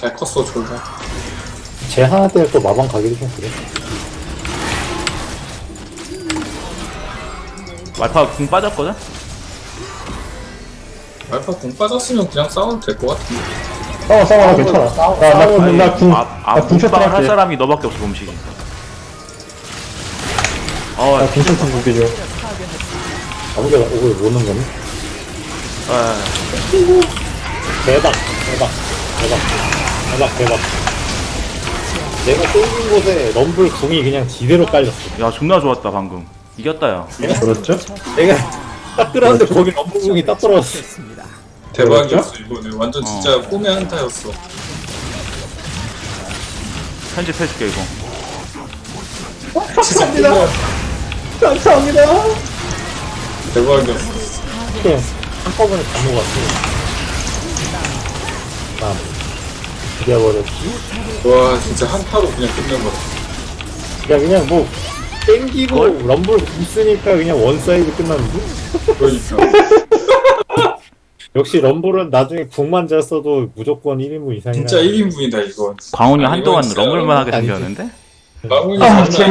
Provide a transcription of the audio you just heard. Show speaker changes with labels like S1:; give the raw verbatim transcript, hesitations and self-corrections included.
S1: 잘 컸어 졸라.
S2: 쟤 하나 때문에 또 마방 가기도 좀 그래.
S3: 말파 궁 빠졌거든?
S1: 알파 공 빠졌으면 그냥 싸워도 될 것 같은데.
S2: 싸워 싸워 나 괜찮아.
S4: 싸워,
S2: 나나나궁
S3: 아, 아,
S2: 나궁
S3: 궁빵을 할
S2: 쳤다.
S3: 사람이 너밖에 없어, 음식이. 어,
S2: 나 괜찮다 궁기죠. 아무게 오늘 모는 거니?
S3: 아,
S2: 대박 대박 대박 대박 대박. 내가 쏠린 곳에 럼블 궁이 그냥 지대로 깔렸어.
S3: 야, 존나 좋았다, 방금. 이겼다, 야.
S2: 그렇죠? 내가 딱 들어갔는데 거기 럼블 궁이 딱 들어갔어.
S1: 대박이었어 이번에. 완전
S3: 어.
S1: 진짜 꿈의 한타였어.
S3: 편집해줄게, 이거.
S1: 진짜 꿈의
S2: 감사합니다.
S1: 대박이었어.
S2: 그냥 한꺼번에 다 먹었어. 아, 이겨버렸지?
S1: 와 진짜 한타로 그냥 끝내버려.
S2: 야 그냥 뭐 땡기고 럼블 있으니까 그냥 원사이드 끝났는데?
S1: 그러니까.
S2: 역시 럼블은 나중에 궁만 잘 써도 무조건 일 인분 이상이라.
S1: 진짜 일 인분이다 이건.
S3: 광훈이
S1: 아,
S3: 한동안
S1: 이건 진짜
S3: 럼블만 하게
S2: 아니지.
S3: 생겼는데?
S1: 마무리
S4: 아,
S1: 장난